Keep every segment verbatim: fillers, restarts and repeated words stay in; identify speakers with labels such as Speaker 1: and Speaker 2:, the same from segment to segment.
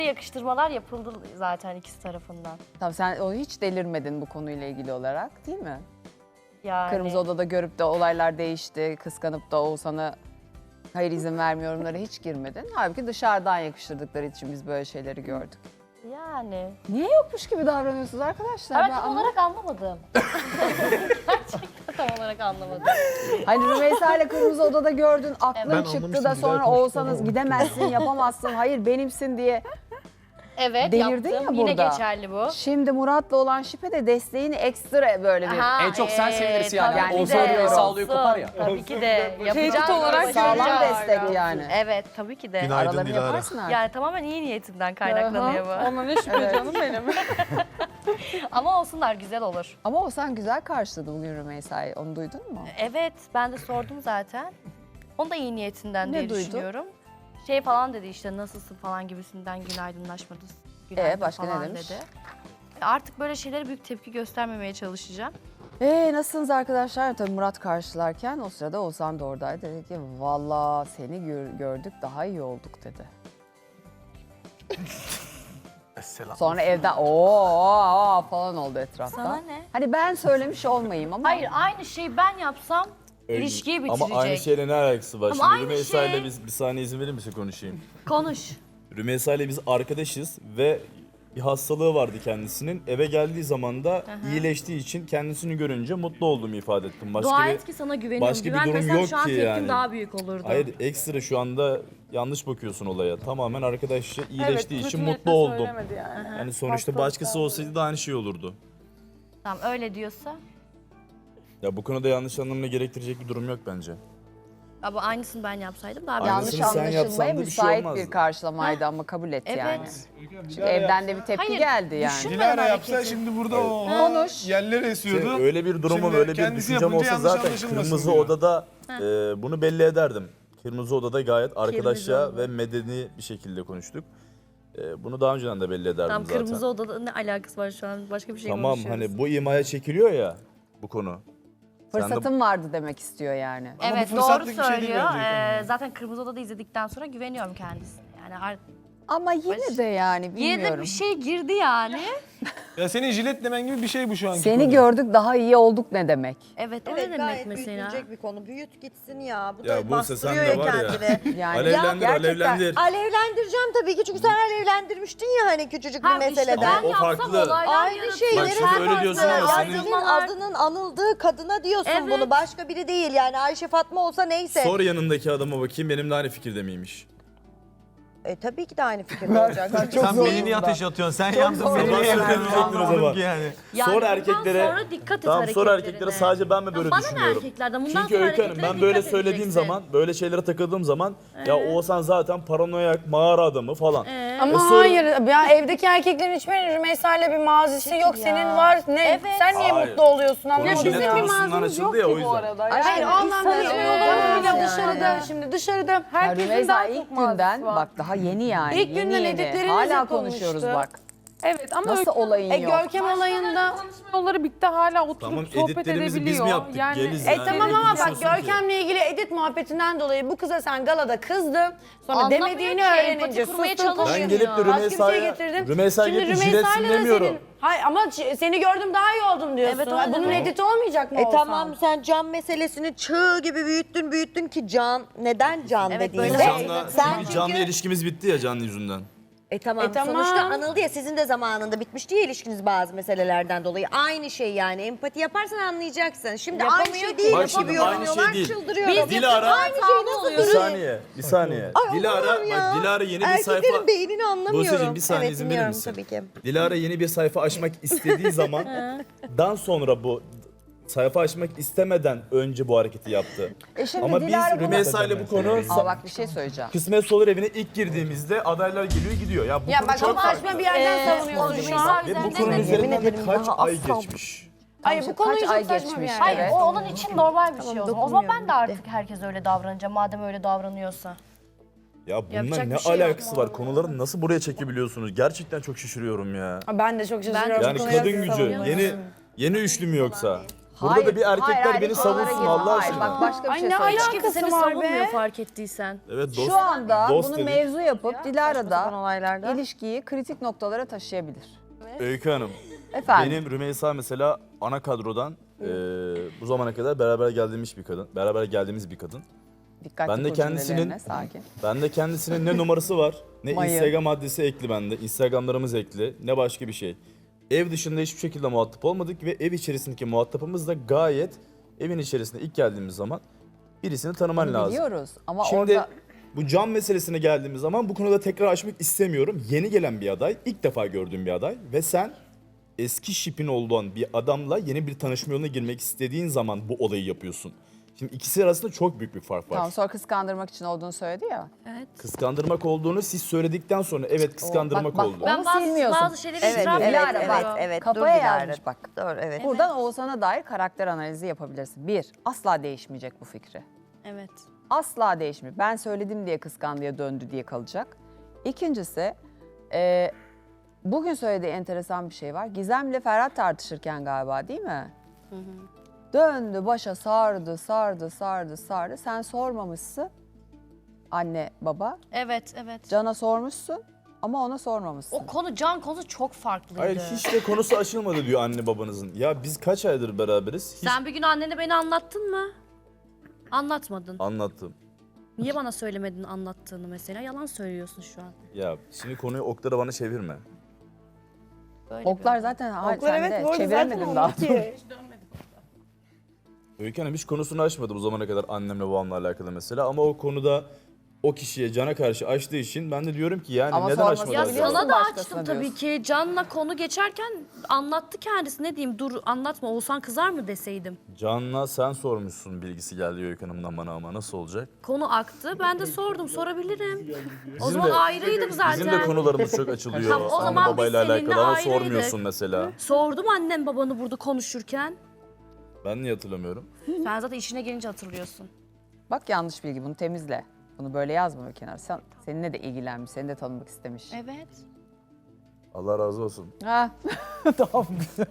Speaker 1: yakıştırmalar yapıldı zaten ikisi tarafından.
Speaker 2: Tamam, sen onu hiç delirmedin bu konuyla ilgili olarak, değil mi?
Speaker 1: Yani
Speaker 2: Kırmızı Oda'da görüp de olaylar değişti, kıskanıp da Oğuzhan'a hayır izin vermiyorumlara hiç girmedin. Halbuki dışarıdan yakıştırdıkları için biz böyle şeyleri gördük.
Speaker 1: yani.
Speaker 2: Niye yokmuş gibi davranıyorsunuz arkadaşlar?
Speaker 1: Ben
Speaker 2: Ben
Speaker 1: tam
Speaker 2: anlamadım.
Speaker 1: olarak anlamadım. Gerçekten tam olarak anlamadım.
Speaker 2: Hani Rümeysa ile Kırmızı Oda'da gördün, aklın
Speaker 1: Evet.
Speaker 2: çıktı
Speaker 3: anlamıştım,
Speaker 2: da
Speaker 3: güzel
Speaker 2: sonra
Speaker 3: konuştun
Speaker 2: Oğuzhan'ız
Speaker 3: ama.
Speaker 2: gidemezsin, yapamazsın, hayır benimsin diye.
Speaker 1: Evet
Speaker 2: Delirdin
Speaker 1: yaptım.
Speaker 2: ya
Speaker 1: Yine
Speaker 2: burada.
Speaker 1: geçerli bu.
Speaker 2: Şimdi Murat'la olan şipe de desteğini ekstra böyle bir...
Speaker 1: Aha,
Speaker 4: En çok sen
Speaker 1: ee,
Speaker 4: sevinirsin yani.
Speaker 1: tabii ki
Speaker 2: Yani
Speaker 4: Olsa
Speaker 1: de,
Speaker 2: soruyorum.
Speaker 4: sağlıyor
Speaker 1: olsun.
Speaker 4: kopar ya.
Speaker 1: Tabii ki de. Yapacağız.
Speaker 5: Tehdit olarak
Speaker 2: Sağlam
Speaker 5: göreceğiz.
Speaker 2: destek yani.
Speaker 1: Evet tabii ki de.
Speaker 3: Günaydın
Speaker 2: Aralarını
Speaker 3: Dilara.
Speaker 2: yaparsın artık.
Speaker 1: Yani tamamen iyi niyetimden kaynaklanıyor bu.
Speaker 5: Ondan ne şüphe canım benim.
Speaker 1: Ama olsunlar güzel olur.
Speaker 2: Ama Oğuzhan güzel karşıladı bugün Rümeysa'yı. Onu duydun mu?
Speaker 1: Evet ben de sordum zaten. Onu da iyi niyetinden
Speaker 2: Ne
Speaker 1: diye
Speaker 2: duydun?
Speaker 1: düşünüyorum. Şey falan dedi işte nasılsın falan gibisinden günaydınlaşmadı. Günaydın
Speaker 2: Ee, başka ne
Speaker 1: falan
Speaker 2: demiş?
Speaker 1: dedi. Artık böyle şeylere büyük tepki göstermemeye çalışacağım.
Speaker 2: Ee nasılsınız arkadaşlar? Tabii Murat karşılarken o sırada Oğuzhan da oradaydı. Dedi ki valla seni gör- gördük daha iyi olduk dedi.
Speaker 3: Selam.
Speaker 2: Sonra evden ooo falan oldu etrafta.
Speaker 1: Sana ne?
Speaker 2: Hani ben söylemiş olmayayım ama.
Speaker 1: Hayır aynı şeyi ben yapsam ilişkiyi bitirecek.
Speaker 6: Ama aynı şeyle ne alakası var?
Speaker 1: Ama
Speaker 6: Şimdi
Speaker 1: aynı
Speaker 6: Rümeysa ile
Speaker 1: şey.
Speaker 6: biz bir saniye izin verir misin konuşayım?
Speaker 1: Konuş.
Speaker 6: Rümeysa ile biz arkadaşız ve bir hastalığı vardı kendisinin. Eve geldiği zaman da iyileştiği için kendisini görünce mutlu olduğumu ifade ettim. Başka
Speaker 1: Dua
Speaker 6: bir,
Speaker 1: et ki sana güveniyorum.
Speaker 6: başka bir durum
Speaker 1: Güvenmesem
Speaker 6: yok
Speaker 1: şu an
Speaker 6: ki
Speaker 1: tepkim
Speaker 6: yani.
Speaker 1: daha büyük olurdu.
Speaker 6: Hayır, ekstra şu anda yanlış bakıyorsun olaya. Tamamen arkadaşça iyileştiği
Speaker 5: Evet,
Speaker 6: için
Speaker 5: kötü
Speaker 6: mutlu
Speaker 5: niyetle
Speaker 6: oldum.
Speaker 5: söylemedi yani.
Speaker 6: Yani sonuçta
Speaker 5: Hastalık
Speaker 6: başkası
Speaker 5: var.
Speaker 6: olsaydı da aynı şey olurdu.
Speaker 1: Tamam öyle diyorsa.
Speaker 6: Ya bu konuda yanlış anlamına gerektirecek bir durum yok bence.
Speaker 1: Ama aynısını ben yapsaydım daha
Speaker 6: Aynısını
Speaker 2: Yanlış
Speaker 6: sen
Speaker 2: anlaşılmaya
Speaker 6: yapsan da bir şey
Speaker 2: müsait
Speaker 6: olmazdı.
Speaker 2: bir karşılamaydı ama kabul et
Speaker 1: Evet.
Speaker 2: yani. Çünkü evden de bir tepki
Speaker 1: Hayır,
Speaker 2: geldi yani.
Speaker 1: düşün-
Speaker 3: Dilara
Speaker 1: hareketi.
Speaker 3: yapsa şimdi burada o
Speaker 2: Konuş.
Speaker 3: yerler esiyordu.
Speaker 6: Şey, öyle bir durumum,
Speaker 3: Şimdi
Speaker 6: öyle bir
Speaker 3: kendisi
Speaker 6: düşüncem
Speaker 3: yapınca
Speaker 6: olsa
Speaker 3: yanlış
Speaker 6: zaten
Speaker 3: anlaşılmasın
Speaker 6: Kırmızı
Speaker 3: diyor.
Speaker 6: Oda'da e, bunu belli ederdim. Kırmızı Oda'da gayet arkadaşça
Speaker 1: Oda.
Speaker 6: ve medeni bir şekilde konuştuk. E, bunu daha önceden de belli ederdim
Speaker 1: Tamam
Speaker 6: zaten.
Speaker 1: kırmızı odada ne alakası var şu an? Başka bir şey
Speaker 6: Tamam,
Speaker 1: konuşuyoruz.
Speaker 6: hani bu imaya çekiliyor ya bu konu. Sen de-
Speaker 2: Fırsatım vardı demek istiyor yani.
Speaker 3: Ama
Speaker 1: Evet
Speaker 3: bu
Speaker 1: doğru
Speaker 3: fırsatlık bir şey değil
Speaker 1: söylüyor.
Speaker 3: bence
Speaker 1: Ee,
Speaker 3: efendim.
Speaker 1: zaten Kırmızı Oda'da izledikten sonra güveniyorum kendisine. Yani ar-
Speaker 2: Ama yine de yani
Speaker 1: yine
Speaker 2: bilmiyorum.
Speaker 1: de bir şey girdi yani.
Speaker 3: Ya senin jilet demen gibi bir şey bu şu anki
Speaker 2: Seni
Speaker 3: konu.
Speaker 2: gördük daha iyi olduk ne demek?
Speaker 1: Evet o
Speaker 7: Evet
Speaker 1: ne demek
Speaker 7: gayet
Speaker 1: mesela?
Speaker 7: büyütülecek bir konu. Büyüt gitsin ya. Bu
Speaker 6: Ya
Speaker 7: da
Speaker 6: Buse,
Speaker 7: bastırıyor
Speaker 6: sen
Speaker 7: ya
Speaker 6: de var ya.
Speaker 7: kendini.
Speaker 2: Yani
Speaker 6: Alevlendir,
Speaker 7: gerçekten
Speaker 6: alevlendir.
Speaker 7: Alevlendireceğim tabii ki çünkü sen alevlendirmiştin ya hani küçücük bir
Speaker 1: Ha, işte
Speaker 7: meseleden.
Speaker 1: ben
Speaker 6: O
Speaker 1: yapsam
Speaker 6: farklı.
Speaker 1: olaylar
Speaker 7: Aynı
Speaker 1: yaratır.
Speaker 7: şeyleri
Speaker 6: Bak şimdi öyle diyorsun ama
Speaker 7: Ya
Speaker 6: senin-
Speaker 7: senin adının anıldığı kadına diyorsun
Speaker 1: Evet.
Speaker 7: bunu. Başka biri değil yani Ayşe Fatma olsa neyse.
Speaker 6: Sor yanındaki adama bakayım benimle aynı fikirde miymiş?
Speaker 7: E, tabii ki de aynı fikirde olacak.
Speaker 3: Sen beni niye ateşe atıyorsun? Sen yandın
Speaker 2: zor
Speaker 3: beni
Speaker 2: oldu
Speaker 3: niye
Speaker 2: yani.
Speaker 3: yakıyorsun?
Speaker 6: Anlamadım
Speaker 3: Anlamadım
Speaker 6: ki
Speaker 3: ki yani.
Speaker 1: Yani
Speaker 6: sor
Speaker 1: bundan
Speaker 6: erkeklere.
Speaker 1: sonra dikkat et
Speaker 6: Tamam, sor
Speaker 1: hareketlerine.
Speaker 6: erkeklere, sadece ben mi böyle
Speaker 1: Bana ne
Speaker 6: düşünüyorum?
Speaker 1: erkeklerden? Bundan
Speaker 6: Çünkü
Speaker 1: sonra
Speaker 6: Öykü Hanım,
Speaker 1: hareketlere
Speaker 6: ben böyle
Speaker 1: dikkat
Speaker 6: söylediğim
Speaker 1: edeceksin.
Speaker 6: zaman, böyle şeylere takıldığım zaman ya Oğuzhan zaten paranoyak, mağara adamı falan.
Speaker 1: Ee?
Speaker 5: Ama
Speaker 6: E sonra-
Speaker 5: hayır ya evdeki erkeklerin hiçbirinin Rümeysa ile bir mazisi yok.
Speaker 1: ya.
Speaker 5: Senin var. Ne?
Speaker 1: Evet.
Speaker 5: Sen niye
Speaker 6: Hayır.
Speaker 5: mutlu oluyorsun
Speaker 6: Konu
Speaker 5: anlamadım.
Speaker 6: jilet
Speaker 5: Bizim bir
Speaker 6: konusundan
Speaker 5: mazimiz
Speaker 6: açıldı
Speaker 5: yok
Speaker 6: ya, o
Speaker 5: ki bu
Speaker 6: yüzden.
Speaker 5: arada.
Speaker 7: Aşkım,
Speaker 5: Hayır o anlamda
Speaker 7: biz
Speaker 5: şey
Speaker 7: tanışmıyoruz
Speaker 5: bile
Speaker 7: yani.
Speaker 5: dışarıda şimdi dışarıda
Speaker 2: Ya
Speaker 5: herkesin
Speaker 2: Rümeysa
Speaker 5: daha
Speaker 2: ilk
Speaker 5: çok mazisi
Speaker 2: günden
Speaker 5: var.
Speaker 2: bak daha yeni yani.
Speaker 5: İlk
Speaker 2: yeni
Speaker 5: günden
Speaker 2: yeni.
Speaker 5: editleriniz
Speaker 2: Hala
Speaker 5: yapılmıştı.
Speaker 2: konuşuyoruz bak.
Speaker 5: Evet ama
Speaker 2: Nasıl
Speaker 5: Öykü-
Speaker 2: olayın
Speaker 5: e,
Speaker 2: yok?
Speaker 5: Görkem olayında
Speaker 8: Yolları bitti hala oturup
Speaker 6: Tamam,
Speaker 8: sohbet
Speaker 6: editlerimizi biz
Speaker 8: edebiliyor.
Speaker 6: mi yaptık?
Speaker 8: Yani
Speaker 6: Geliz
Speaker 5: E
Speaker 6: yani.
Speaker 5: tamam
Speaker 6: Ne
Speaker 5: ama bak
Speaker 6: konuşuyorsun ki?
Speaker 5: Görkem'le ilgili edit muhabbetinden dolayı bu kıza sen galada kızdın. Sonra
Speaker 1: Anlamıyor
Speaker 5: demediğini
Speaker 1: ki,
Speaker 5: öğrenince
Speaker 1: empati kurmaya
Speaker 5: sustun.
Speaker 1: çalışmıyor.
Speaker 6: Ben gelip de
Speaker 5: Başka bir şey
Speaker 6: Rümeysa'ya,
Speaker 5: getirdim.
Speaker 6: Rümeysa'ya
Speaker 5: Şimdi
Speaker 6: gelip
Speaker 5: Rümeysa'yla
Speaker 6: jiletsin
Speaker 5: da
Speaker 6: demiyorum.
Speaker 5: senin- Hayır ama ç- seni gördüm daha iyi oldum diyorsun.
Speaker 1: Evet, o
Speaker 5: Ay,
Speaker 1: ne
Speaker 5: Bunun
Speaker 1: demek?
Speaker 5: editi olmayacak mı
Speaker 7: E
Speaker 5: Oğuzhan?
Speaker 7: tamam sen can meselesini çığ gibi büyüttün büyüttün ki can. Neden can
Speaker 1: Evet,
Speaker 7: dediğinde?
Speaker 1: böyle
Speaker 6: Can'la,
Speaker 7: Sen
Speaker 6: çünkü Can'la
Speaker 7: çünkü-
Speaker 6: ilişkimiz bitti ya Can yüzünden.
Speaker 7: E tamam.
Speaker 5: E tamam.
Speaker 7: Sonuçta anıldı ya sizin de zamanında bitmişti ya ilişkiniz bazı meselelerden dolayı. Aynı şey yani empati yaparsan anlayacaksın. Şimdi aynı
Speaker 1: Yapamıyor
Speaker 7: şey
Speaker 1: ki.
Speaker 7: değil
Speaker 6: Bak
Speaker 7: gibi
Speaker 6: şimdi aynı
Speaker 7: yorumluyorlar
Speaker 6: şey değil.
Speaker 7: çıldırıyorum.
Speaker 1: Biz
Speaker 6: Dilara,
Speaker 7: Aynı şey nasıl
Speaker 6: bir
Speaker 7: duruyor?
Speaker 6: saniye, bir saniye.
Speaker 7: Ay,
Speaker 6: Dilara,
Speaker 7: Allah'ım ya.
Speaker 6: bak Dilara yeni bir sayfa...
Speaker 7: Erkeklerin beynini anlamıyorum.
Speaker 6: Buse'cim, bir saniye
Speaker 7: evet,
Speaker 6: izin verir
Speaker 7: dinliyorum
Speaker 6: misin?
Speaker 7: tabii ki.
Speaker 6: Dilara yeni bir sayfa açmak istediği zaman dan sonra bu sayfa açmak istemeden önce bu hareketi yaptı.
Speaker 2: E şimdi
Speaker 6: Ama
Speaker 2: Dilara
Speaker 6: biz
Speaker 2: bunu-
Speaker 6: Rümeysa ile bu konu
Speaker 2: Aa bak bir şey söyleyeceğim.
Speaker 6: Kısmet Solar evine ilk girdiğimizde adaylar geliyor gidiyor. Ya bu
Speaker 5: Ya
Speaker 6: konu
Speaker 5: bak
Speaker 6: çok
Speaker 5: ama
Speaker 6: farklı.
Speaker 5: saçma bir yerden savunuyorsun şu an.
Speaker 6: Ve bu
Speaker 1: Üzerinden
Speaker 6: konunun
Speaker 1: de-
Speaker 6: üzerinden de
Speaker 7: ederim,
Speaker 6: kaç
Speaker 7: daha
Speaker 6: ay
Speaker 7: asla-
Speaker 6: geçmiş.
Speaker 5: Hayır bu konu
Speaker 2: Kaç
Speaker 5: çok
Speaker 2: ay
Speaker 5: saçma bir
Speaker 2: geçmiş,
Speaker 5: yer.
Speaker 1: Hayır
Speaker 2: Evet.
Speaker 1: o onun için normal bir şey o zaman. O zaman ben de
Speaker 7: dokunmuyorum,
Speaker 1: artık herkes öyle davranacağım madem öyle davranıyorsa.
Speaker 6: Ya bununla
Speaker 1: Yapacak
Speaker 6: ne
Speaker 1: bir şey yok.
Speaker 6: alakası var? Konuları nasıl buraya çekebiliyorsunuz? Gerçekten çok şaşırıyorum ya.
Speaker 5: Ben de çok şaşırıyorum.
Speaker 6: Yani
Speaker 5: Bu konuya
Speaker 6: kadın gücü
Speaker 5: savunuyorum.
Speaker 6: yeni yeni üçlü mü yoksa? Burada
Speaker 2: Hayır,
Speaker 6: da bir erkekler
Speaker 2: hayır, hayır,
Speaker 6: beni
Speaker 2: hiç oralara
Speaker 6: savunsun
Speaker 2: girme.
Speaker 6: Allah
Speaker 2: Hayır,
Speaker 6: aşkına.
Speaker 2: bak başka bir
Speaker 5: Ay,
Speaker 2: şey
Speaker 5: ne
Speaker 2: söyleyeceğim.
Speaker 1: Hiç kimse seni
Speaker 5: Alakası var
Speaker 1: savunmuyor
Speaker 5: be.
Speaker 1: fark ettiysen.
Speaker 6: Evet dost.
Speaker 2: Şu anda
Speaker 6: dost
Speaker 2: bunu
Speaker 6: dedik.
Speaker 2: mevzu yapıp Dilara
Speaker 7: Saçma sapan
Speaker 2: da
Speaker 7: olaylarda.
Speaker 2: ilişkiyi kritik noktalara taşıyabilir.
Speaker 6: Öykü Hanım.
Speaker 2: Efendim.
Speaker 6: Benim Rümeysa mesela ana kadrodan e, bu zamana kadar beraber geldiğimiz bir kadın. Beraber geldiğimiz bir kadın.
Speaker 2: Dikkatli
Speaker 6: Ben de
Speaker 2: kur
Speaker 6: kendisinin-
Speaker 2: cümlelerine, sakin.
Speaker 6: Ben de kendisinin ne numarası var, ne
Speaker 2: Mayı.
Speaker 6: Instagram adresi ekli bende. Instagramlarımız ekli, ne başka bir şey. Ev dışında hiçbir şekilde muhatap olmadık ve ev içerisindeki muhatapımız da gayet evin içerisinde ilk geldiğimiz zaman birisini tanıman
Speaker 2: Bunu
Speaker 6: lazım.
Speaker 2: biliyoruz ama
Speaker 6: Şimdi
Speaker 2: orada
Speaker 6: bu can meselesine geldiğimiz zaman bu konuda tekrar açmak istemiyorum. Yeni gelen bir aday, ilk defa gördüğüm bir aday ve sen eski şipin olduğun bir adamla yeni bir tanışma yoluna girmek istediğin zaman bu olayı yapıyorsun. Şimdi ikisi arasında çok büyük bir fark var.
Speaker 2: tamam sonra kıskandırmak için olduğunu söyledi ya.
Speaker 1: Evet.
Speaker 6: Kıskandırmak olduğunu siz söyledikten sonra evet kıskandırmak
Speaker 2: Bak, bak,
Speaker 6: oldu.
Speaker 2: Onu
Speaker 1: Ben bazı,
Speaker 2: silmiyorsun.
Speaker 1: bazı şeyleri
Speaker 7: Evet,
Speaker 1: itiraf
Speaker 7: evet,
Speaker 2: Dilara,
Speaker 1: ediyorum.
Speaker 2: bak,
Speaker 7: evet, evet.
Speaker 2: Kafaya
Speaker 7: Dur Dilara.
Speaker 2: yazmış bak.
Speaker 7: Doğru, evet.
Speaker 2: Buradan Oğuzhan'a dair karakter analizi yapabilirsin. Bir, asla değişmeyecek bu fikri.
Speaker 1: Evet.
Speaker 2: Asla değişmiyor. Ben söyledim diye kıskandıya döndü diye kalacak. İkincisi, e, bugün söylediği enteresan bir şey var. Gizem'le Ferhat tartışırken galiba değil mi? Döndü başa sardı, sardı, sardı, sardı. Sen sormamışsın anne baba.
Speaker 1: Evet, evet.
Speaker 2: Can'a sormuşsun ama ona sormamışsın.
Speaker 1: O konu, can konusu çok farklıydı.
Speaker 6: Hayır hiç de konusu açılmadı diyor anne babanızın. Ya biz kaç aydır beraberiz? Hiç
Speaker 1: Sen bir gün annene beni anlattın mı? Anlatmadın.
Speaker 6: anlattım.
Speaker 1: Niye bana söylemedin anlattığını mesela? Yalan söylüyorsun şu an.
Speaker 6: Ya şimdi konuyu oklara bana çevirme.
Speaker 1: Böyle
Speaker 2: Oklar
Speaker 1: bir-
Speaker 2: zaten ha,
Speaker 5: Oklar
Speaker 2: sen
Speaker 5: evet
Speaker 2: de
Speaker 5: bu arada
Speaker 2: çeviremedin
Speaker 5: zaten
Speaker 2: daha.
Speaker 5: oldu ki.
Speaker 6: Öykü Hanım hiç konusunu açmadı bu zamana kadar annemle babamla alakalı mesela. Ama o konuda o kişiye Can'a karşı açtığı için ben de diyorum ki yani
Speaker 2: Ama
Speaker 6: neden
Speaker 2: sorması
Speaker 6: açmadı
Speaker 1: Ya
Speaker 6: acaba?
Speaker 2: biliyorsun.
Speaker 1: sana da
Speaker 2: Başkasına
Speaker 1: açtım tabii
Speaker 2: diyorsun.
Speaker 1: ki. Can'la konu geçerken anlattı kendisi. Ne diyeyim, dur anlatma, Oğuzhan kızar mı deseydim.
Speaker 6: Can'la sen sormuşsun bilgisi geldi Öykü Hanım'dan bana ama nasıl olacak?
Speaker 1: Konu aktı. Ben de sordum, sorabilirim. O
Speaker 6: Bizim
Speaker 1: zaman
Speaker 6: de-
Speaker 1: ayrıydık zaten.
Speaker 6: Bizim de konularımız çok açılıyor
Speaker 1: Tamam, o
Speaker 6: anne
Speaker 1: zaman biz
Speaker 6: babayla
Speaker 1: seninle
Speaker 6: alakalı ama
Speaker 1: ayrıydık.
Speaker 6: sormuyorsun mesela.
Speaker 1: Sordum annem babanı burada konuşurken.
Speaker 6: Ben niye hatırlamıyorum?
Speaker 1: Sen zaten işine gelince hatırlıyorsun.
Speaker 2: Bak yanlış bilgi, bunu temizle. Bunu böyle yazma bir kenara. Sen, seninle de ilgilenmiş, seni de tanımak istemiş.
Speaker 1: Evet.
Speaker 6: Allah razı olsun.
Speaker 2: Ha, tamam.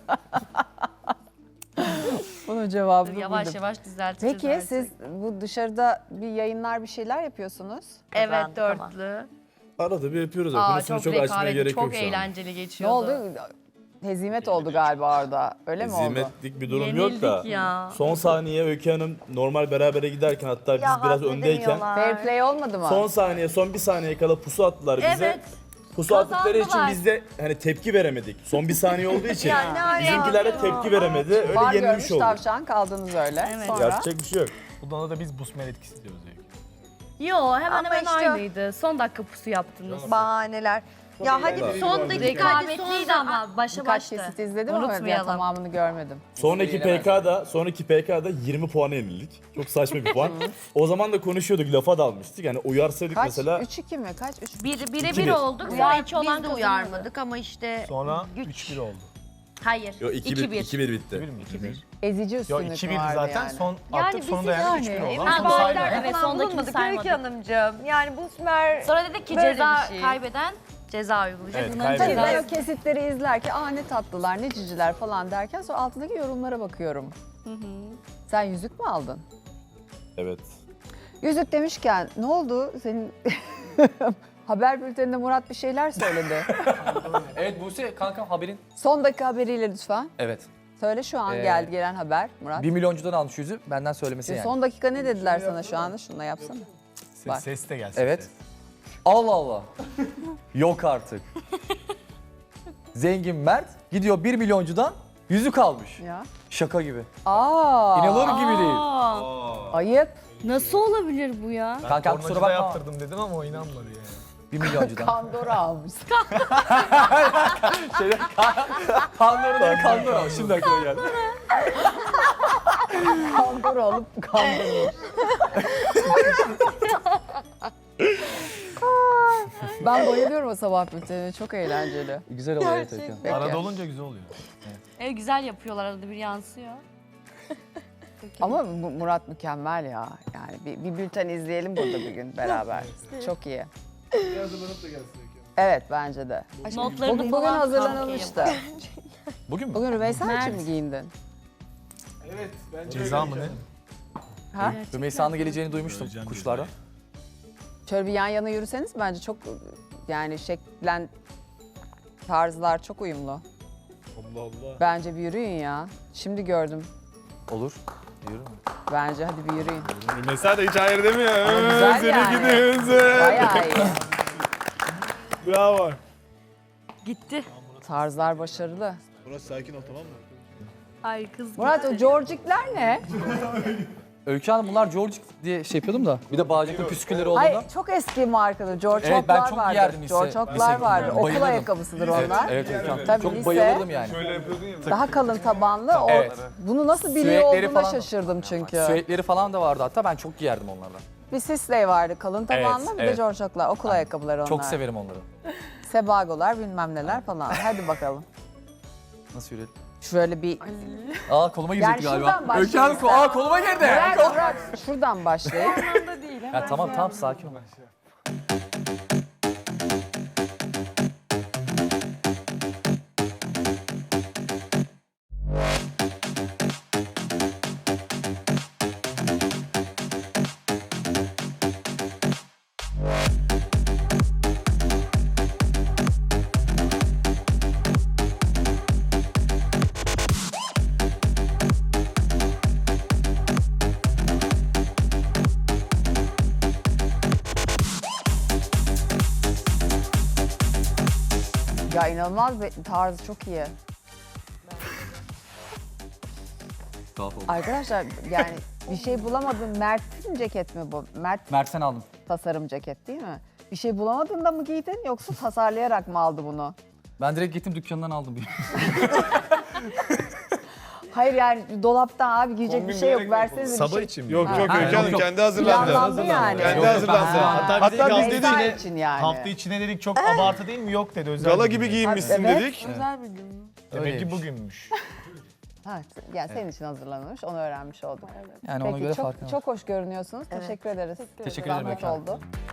Speaker 2: Bunun cevabını
Speaker 1: Dur, yavaş
Speaker 2: buldum.
Speaker 1: yavaş düzelteceğiz.
Speaker 2: Peki
Speaker 1: artık.
Speaker 2: siz bu dışarıda bir yayınlar bir şeyler yapıyorsunuz.
Speaker 1: Evet,
Speaker 7: Kazandık ama.
Speaker 1: dörtlü.
Speaker 6: Arada bir yapıyoruz. ya,
Speaker 1: Aa,
Speaker 6: Konusunu
Speaker 1: çok,
Speaker 6: çok, açmaya
Speaker 1: rekabetli,
Speaker 6: gerek
Speaker 1: çok
Speaker 6: yok şu an.
Speaker 1: eğlenceli
Speaker 2: Ne
Speaker 1: geçiyordu.
Speaker 2: oldu? Hezimet oldu galiba orada. Öyle mi oldu?
Speaker 6: Hizmetlik bir durum yok da.
Speaker 1: Yenildik ya.
Speaker 6: Son saniye Öykü Hanım normal berabere giderken hatta biz
Speaker 7: Ya
Speaker 6: biraz öndeyken
Speaker 7: hazmedemiyorlar.
Speaker 2: Fair play olmadı mı?
Speaker 6: son saniye son bir saniye kala pusu attılar bize.
Speaker 1: Evet.
Speaker 6: Pusu attıkları için
Speaker 1: Kazandılar.
Speaker 6: biz de hani tepki veremedik. Son bir saniye olduğu için
Speaker 7: Ya ne alaka?
Speaker 6: bizimkiler de tepki veremedi. Öyle
Speaker 2: Var
Speaker 6: yenilmiş
Speaker 2: görmüş
Speaker 6: olduk.
Speaker 2: tavşan kaldınız öyle.
Speaker 1: Evet.
Speaker 2: Sonra
Speaker 6: Yapacak bir şey yok.
Speaker 3: Bundan da biz busmer etkisi diyoruz Öykü.
Speaker 1: Yo, hemen
Speaker 7: Ama
Speaker 1: hemen
Speaker 7: işte-
Speaker 1: aynıydı. Son dakika pusu yaptınız.
Speaker 7: Bahaneler. Ya hadi
Speaker 6: iyi.
Speaker 7: son dakika hadi son
Speaker 1: Rekabetliydi ama başa
Speaker 2: birkaç
Speaker 1: başta.
Speaker 2: kesit izledim ama ya
Speaker 1: Unutmayalım.
Speaker 2: tamamını görmedim.
Speaker 6: Sonraki P K'da, sonraki P K'da yirmi puana yenildik. Çok saçma bir puan. O zaman da konuşuyorduk, lafa dalmıştık. Yani uyarsaydık
Speaker 2: Kaç?
Speaker 6: mesela
Speaker 2: üç iki mi? Kaç? üç
Speaker 1: Bir, bire
Speaker 6: İki
Speaker 1: bir
Speaker 6: bir.
Speaker 1: olduk. Sonra
Speaker 7: Uyar,
Speaker 1: iki olan
Speaker 7: biz de
Speaker 1: kazandı.
Speaker 7: uyarmadık ama işte
Speaker 3: Sonra
Speaker 7: güç.
Speaker 3: üç bir oldu.
Speaker 1: Hayır.
Speaker 6: Yo, iki bir, iki bir bitti.
Speaker 3: Bir mi?
Speaker 1: iki bir.
Speaker 2: Ezici
Speaker 3: Yo
Speaker 2: üstünlük
Speaker 3: iki birdi
Speaker 2: vardı
Speaker 3: zaten.
Speaker 2: yani.
Speaker 3: Son
Speaker 7: Yani
Speaker 3: attık
Speaker 7: bizi
Speaker 3: sonunda yani üç bir
Speaker 2: yani
Speaker 3: oldu.
Speaker 7: Emir
Speaker 3: Ama
Speaker 1: Ha,
Speaker 3: sonra
Speaker 1: doğru.
Speaker 3: saymadık.
Speaker 7: bağırlarda
Speaker 1: Evet,
Speaker 7: falan
Speaker 1: sondakini
Speaker 7: bulunmadık
Speaker 1: saymadık.
Speaker 7: Öykü Hanımcığım. Yani bu Sümer
Speaker 1: Sonra dedik ki
Speaker 7: Böyle
Speaker 1: ceza
Speaker 7: bir şey.
Speaker 1: kaybeden ceza uygulayacak.
Speaker 3: Evet,
Speaker 1: Bunların
Speaker 3: kaybeden.
Speaker 2: Tabii ben
Speaker 1: cezası-
Speaker 2: o kesitleri izlerken aa ne tatlılar ne ciciler falan derken sonra altındaki yorumlara bakıyorum. Sen yüzük mü aldın?
Speaker 6: Evet.
Speaker 2: Yüzük demişken ne oldu? Senin haber bülteninde Murat bir şeyler söyledi.
Speaker 4: Evet Buse kankam haberin.
Speaker 2: Son dakika haberiyle lütfen.
Speaker 4: Evet.
Speaker 2: Söyle şu an
Speaker 4: Ee,
Speaker 2: geldi gelen haber Murat.
Speaker 4: Bir milyoncudan almış yüzü benden söylemesi yani.
Speaker 2: Son dakika ne dediler sana şu anda? Şunu da yapsana. Bak.
Speaker 3: Ses, ses de gelsin.
Speaker 4: Evet.
Speaker 3: ses.
Speaker 4: Allah Allah. Yok artık. Zengin Mert gidiyor bir milyoncudan yüzük almış.
Speaker 2: Ya.
Speaker 4: Şaka gibi.
Speaker 2: Aa.
Speaker 4: İnanılır gibi değil.
Speaker 1: Aa,
Speaker 2: Ayıp.
Speaker 1: nasıl olabilir bu ya?
Speaker 3: Ben
Speaker 4: Kankam kusura
Speaker 3: tornacıda
Speaker 4: bakma.
Speaker 3: yaptırdım dedim ama o inanmadı yani.
Speaker 4: Bir milyoncudan.
Speaker 2: Kandora almış.
Speaker 4: Şeyde, Kandora dedi Kandora. Şimdi aklıma geldi.
Speaker 2: Kandora alıp kandırmış. Ben bayılıyorum o sabah bültenine. Çok eğlenceli.
Speaker 4: Güzel oluyor evet Öykü.
Speaker 2: Peki.
Speaker 3: Arada olunca güzel oluyor.
Speaker 1: Evet, güzel yapıyorlar, arada bir yansıyor.
Speaker 2: Ama Mu- Murat mükemmel ya. Yani bir, bir bülten izleyelim burada bir gün beraber. Çok iyi. Evet bence de.
Speaker 1: Notlarını
Speaker 2: Bugün, bugün
Speaker 1: falan
Speaker 2: hazırlanılmıştı.
Speaker 4: Bugün mü?
Speaker 2: Bugün Rümeysa için
Speaker 1: Mert.
Speaker 2: mi giyindin?
Speaker 3: Ceza mı ne?
Speaker 2: Ha?
Speaker 4: Rümeysa'nın geleceğini duymuştum
Speaker 3: Göreceğim
Speaker 4: kuşlardan.
Speaker 2: Şöyle bir yan yana yürüseniz bence çok yani şeklen tarzlar çok uyumlu.
Speaker 6: Allah Allah.
Speaker 2: Bence bir yürüyün ya. Şimdi gördüm.
Speaker 4: Olur. Yürü.
Speaker 2: Bence hadi bir yürüyün.
Speaker 6: Mesela da hiç hayır demiyor.
Speaker 2: Ama güzel yani. Bayağı iyi.
Speaker 6: Bravo.
Speaker 1: Gitti.
Speaker 2: Tarzlar başarılı.
Speaker 6: Murat sakin ol tamam mı?
Speaker 1: Ay kız
Speaker 2: Murat o Georgikler ne?
Speaker 4: Öykü Hanım bunlar George diye şey yapıyordum da. Bir de bağcıklı püskülleri
Speaker 2: Hayır
Speaker 4: olduğunda.
Speaker 2: çok eski markadır. George
Speaker 4: Evet, ben
Speaker 2: Hop'lar
Speaker 4: çok
Speaker 2: vardır.
Speaker 4: giyerdim lise-
Speaker 2: George Hop'lar
Speaker 4: lise-
Speaker 2: vardır. Okul
Speaker 4: bayılırdım.
Speaker 2: ayakkabısıdır
Speaker 4: Evet,
Speaker 2: onlar.
Speaker 4: evet Öykü Hanım.
Speaker 2: Tabii
Speaker 4: Çok
Speaker 2: lise-
Speaker 4: bayılırdım yani.
Speaker 2: Daha kalın tabanlı. O,
Speaker 4: Evet.
Speaker 2: Bunu nasıl biliyor
Speaker 4: Süetleri
Speaker 2: olduğuna
Speaker 4: falan-
Speaker 2: şaşırdım çünkü.
Speaker 4: Süetleri falan da vardı hatta ben çok giyerdim onlardan.
Speaker 2: Bir Sisley vardı kalın tabanlı,
Speaker 4: Evet,
Speaker 2: bir de
Speaker 4: evet.
Speaker 2: George Hop'lar. Okul ayakkabıları onlar.
Speaker 4: Çok severim onları.
Speaker 2: Sebagolar bilmem neler falan. Hadi bakalım.
Speaker 4: Nasıl yürüyelim?
Speaker 2: Şöyle bir...
Speaker 4: Aa koluma girecekti
Speaker 2: Yani
Speaker 4: galiba.
Speaker 2: şuradan başlayalım
Speaker 4: Öykü Hanım
Speaker 2: sen.
Speaker 4: aa koluma girdi.
Speaker 2: Murat, Murat şuradan başlayıp.
Speaker 4: Ya tamam tamam sakin ol.
Speaker 2: Ya inanılmaz bir tarzı çok iyi.
Speaker 4: Tuhaf oldu.
Speaker 2: Arkadaşlar yani bir şey bulamadım. Mert'in ceket mi bu? Mert
Speaker 4: Mert'ten aldım.
Speaker 2: tasarım ceket değil mi? Bir şey bulamadın da mı giydin yoksa tasarlayarak mı aldı bunu?
Speaker 4: Ben direkt gittim dükkanından aldım.
Speaker 2: Hayır yani dolaptan abi giyecek bir şey yok. Versenize bir
Speaker 3: Sabah
Speaker 2: şey.
Speaker 3: için mi?
Speaker 6: Yok
Speaker 2: Ha.
Speaker 6: yok
Speaker 4: Ha,
Speaker 6: Öykü
Speaker 4: yok,
Speaker 6: Hanım
Speaker 4: yok.
Speaker 6: kendi hazırlandı.
Speaker 2: Planlandı yani.
Speaker 6: Kendi
Speaker 4: Yok,
Speaker 6: hazırlandı.
Speaker 3: Ha, hatta
Speaker 6: Hatta
Speaker 3: biz de
Speaker 6: biz
Speaker 3: hafta
Speaker 6: dedik
Speaker 2: Beyza
Speaker 3: içine,
Speaker 2: için yani.
Speaker 3: hafta içine dedik çok abartı değil mi? Yok dedi. Özel
Speaker 6: gala
Speaker 3: bir
Speaker 6: gibi
Speaker 3: gün.
Speaker 6: giyinmişsin
Speaker 2: Evet.
Speaker 6: dedik.
Speaker 8: Özel bir gün mü?
Speaker 3: Demek ki
Speaker 4: Öyleymiş.
Speaker 3: bugünmüş.
Speaker 2: Ha, yani senin için hazırlanmış, onu öğrenmiş olduk.
Speaker 4: Yani ona
Speaker 2: Peki
Speaker 4: göre
Speaker 2: çok
Speaker 4: farkı var.
Speaker 2: çok hoş görünüyorsunuz. Teşekkür ederiz.
Speaker 4: Teşekkür ederim
Speaker 2: Zahmet
Speaker 4: Öykü Hanım.
Speaker 2: oldu.